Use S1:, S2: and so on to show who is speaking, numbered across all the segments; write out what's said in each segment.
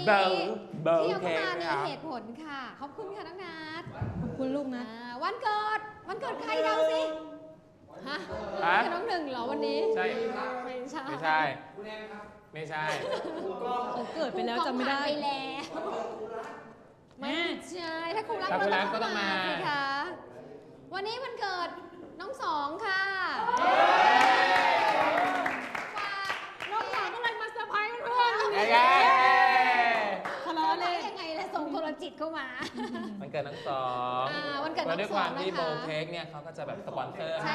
S1: ที่เอาเข้ามามีเหตุผลค่ะขอบคุณค่ะน้องนัทขอบคุณลูกนะวันเกิดใครเดาสิฮะคือน้องหนึ่งเหรอวันนี้
S2: ใช่
S1: ไม่ใช่
S2: ไม่ใช่
S3: เขาเกิดไปแล้วจำไม่ได้
S1: ไปแล้วไม่ใช่ถ้าครูรัก
S2: ก็ต้องมา
S1: สิคะวันนี้วันเกิดน้องสองค่ะ
S3: น้องสาวก็เลยมาเซอร์ไพรส์เพื่อน
S1: ทะเลาะเลยยังไงแล้วส่งโทรจิตเข้ามา
S2: วันเกิดน้องสอง
S1: วันเกิดน้องสองนะคะด้วย
S2: ความที่โบเค้กเนี่ยเขาก็จะแบบสปอนเซอร์ให้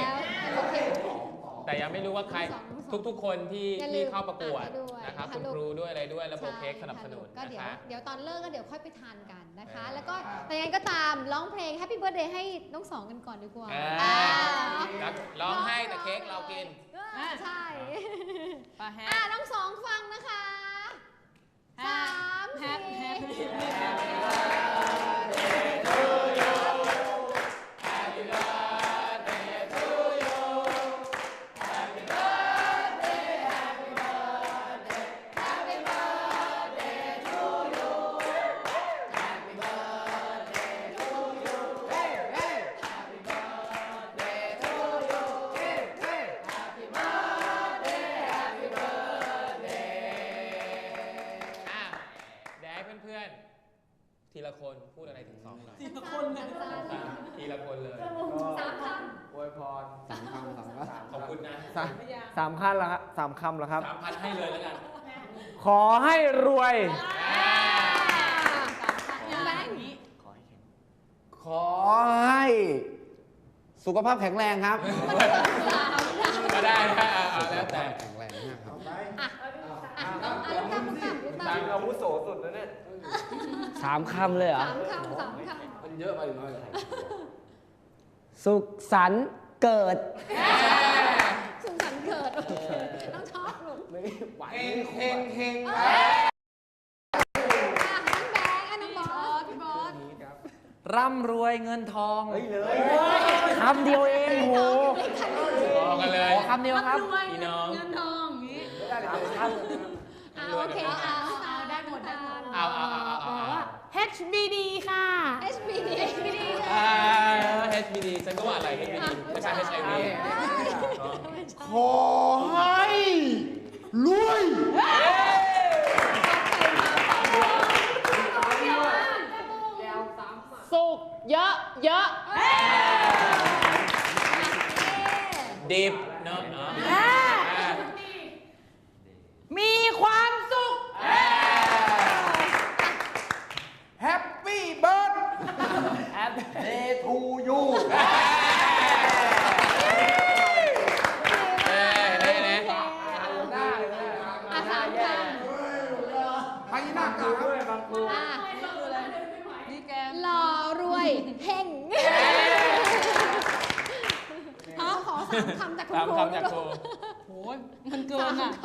S2: แต่ยังไม่รู้ว่าใครทุกคนที่เข้าประกวดนะครับคุณครูด้วยอะไรด้วยแล้วโบเค้กสนับสนุน
S1: ก็เดี๋ยวตอนเลิกก็เดี๋ยวค่อยไปทานกันนะคะแล้วก็แต่ยังไงก็ตามร้องเพลง Happy Birthday ให้น้องสองกันก่อนดีกว่า
S2: ร้องให้แต่เค้กเรากิน
S1: ใช่น้องสองฟังนะคะ3
S2: ทีละคนพูดอะไรถึงสองหน่อย
S3: ทีละคนเลย
S2: ทีละคนเลย
S1: 3 คำ
S2: อวยพร
S4: 3 คำ
S2: ขอบคุณนะ
S4: 3 ขั้นแล้วครับ3 คำแล้วครับ
S2: 3,000ให้เลยแล้วกัน
S4: ขอให้รวยขอให้สุขภาพแข็งแรงครับ
S2: ก็ได้แล้วแต่
S4: แข็งแรงนะครับ
S2: ตังอาวุโสสุดแล้วเนี่ย
S4: 3 คำเลยเหรอ
S1: 3 คำ
S2: มันเยอะไปหน่อย
S4: สุขสันต์เกิด
S1: สุขสันต์เกิดโอเคต้องชอบลูก
S2: เฮง
S1: น้องแบงค์น้องบอสพี่บอส
S4: ร่ำรวยเงินทองคำเดียวเองโห
S2: กันเลย
S4: คำเดียวครับ
S3: พี่น้องเงินทองอย่างนี้
S1: โอเค
S3: ได้หมด
S2: เอา
S3: ว่า HBD ค่ะ
S1: HBD
S2: HBD ฉันก็ว่าอะไร HBD ไม่ใช่ HIV
S4: ขอให้รวย
S3: สุขเยอะ
S2: ดิบเนาะ
S3: มีความสุข
S4: Happy birthday to you
S1: หล่อรวยเฮงขอ3 คำจากคุณครู
S3: โอ้ยมันเกินอ่ะ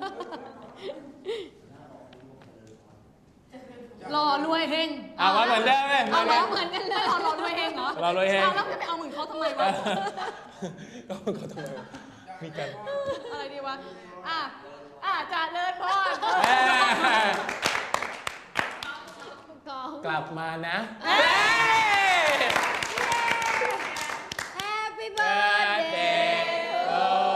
S3: หล่อรวยเฮง
S2: ว่าเหมือนเดิมเลย
S3: เหมือนกันเลยหล่อรวยเฮงเหรอ
S2: หล่อรวยเฮง
S3: แล้วจะไปเอาเหมือนเขาทำไมวะ
S2: ก็เขาทำไมมีกัน
S3: อะไรดีวะจ่าเลิศพ่
S2: อกลับมานะ
S1: Happy birthday โอ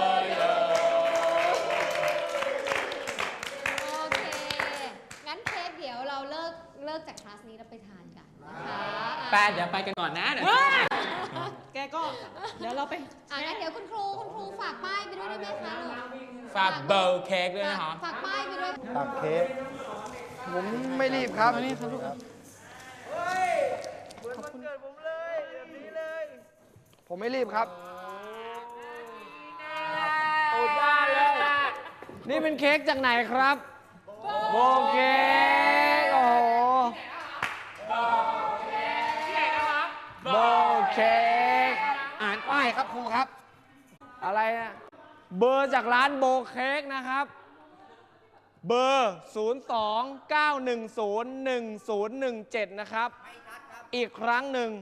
S1: เคงั้นเค้กเดี๋ยวเราเลิกจากคลาสนี้แล้วไปทานกันนะคะ
S2: เดี๋ยวไปกันก่อนนะ
S3: แกก็เดี๋ยวเราไป
S1: งั้นเดี๋ยวคุณครูฝากป้ายไปด้วยได้ไหมคะ
S2: ฝากเบลเค้กด้วยนะคะ
S1: ฝากป้ายไปด้วย
S4: ฝากเค้กผมไม่รีบครับ
S3: นี่ครับลูก
S4: เหมือนวันเกิดผมเลยแบบนี้เลยผมไม่รีบครับโอ้ได้เลยนี่เป็นเค้กจากไหนครับโบเค้กโอ้โหโบเค้กอ่านป้ายครับครูครับอะไรนะเบอร์จากร้านโบเค้กนะครับเบอร์ 029101017 นะครับอีกครั้งหนึ่ง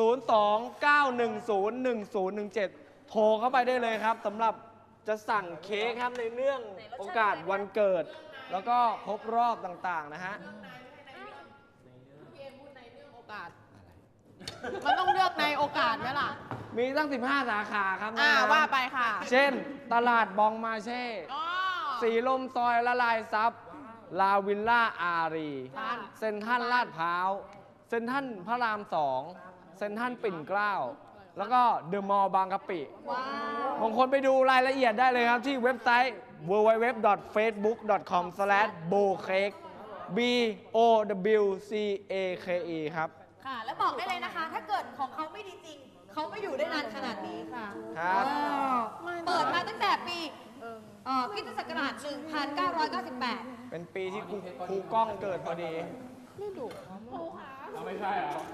S4: 029101017 โทรเข้าไปได้เลยครับสำหรับจะสั่งเค้กครับในเนื่องโอกาสวันเกิดแล้วก็ครบรอบต่างๆนะฮะ
S3: มันต้องเลือกในโอกาสไหมล่ะ
S4: มีตั้ง 15 สาขาครับน้องๆ
S3: ว่าไปค่ะ
S4: เช่น ตลาดบองมาเช่
S3: อ๋อ
S4: สีลมซอยละลายซับลาวิลล่าอารี
S3: บ้าน
S4: เซ็นทรัลลาดพร้าว เซ็นทรัลพระราม 2 เซ็นทรัลปิ่นเกล้า แล้วก็เดอะมอลล์บางกะปิ
S3: ว้าว
S4: บางคนไปดูรายละเอียดได้เลยครับที่เว็บไซต์ www.facebook.com/bowcake BOWCAKE ครับ
S3: ค่ะ แล้วบอกได้เลยนะคะ ถ้าเกิดของเขาไม่ดีจริง เขาไม่อยู่ได้นานขนาดนี้ค่ะ
S4: ครับ
S3: เปิดมาตั้งแต่ปีคริสตศักราช 1998
S4: เป็นปีที่ครูกล้องเกิดพอดี
S2: ไม่ใช่เหรอ